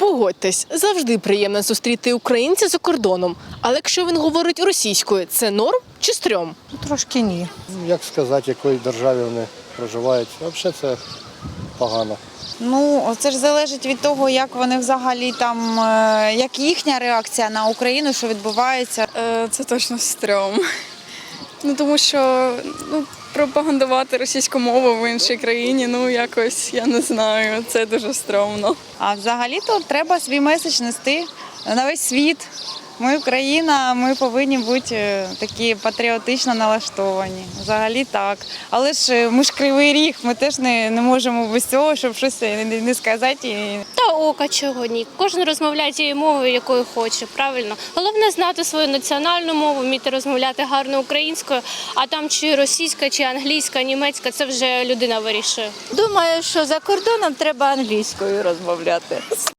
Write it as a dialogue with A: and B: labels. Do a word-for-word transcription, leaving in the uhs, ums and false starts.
A: Погодьтесь, завжди приємно зустріти українця за кордоном. Але якщо він говорить російською, це норм чи стрьом?
B: Трошки ні.
C: Як сказати, в якій державі вони проживають. Взагалі це погано.
B: Ну, це ж залежить від того, як вони взагалі там, е, як їхня реакція на Україну, що відбувається.
D: Е, Це точно стрьом. Ну, тому що ну, пропагандувати російську мову в іншій країні, ну якось, я не знаю, це дуже стрьомно.
B: А взагалі-то треба свій меседж нести на весь світ. Ми Україна, ми повинні бути е, такі патріотично налаштовані. Взагалі так. Але ж е, ми ж Кривий Ріг, ми теж не, не можемо без цього, щоб щось не, не сказати. І...
E: Та ока чого ні. Кожен розмовляє тією мовою, якою хоче, правильно. Головне знати свою національну мову, вміти розмовляти гарно українською, а там чи російська, чи англійська, німецька, це вже людина вирішує.
F: Думаю, що за кордоном треба англійською розмовляти.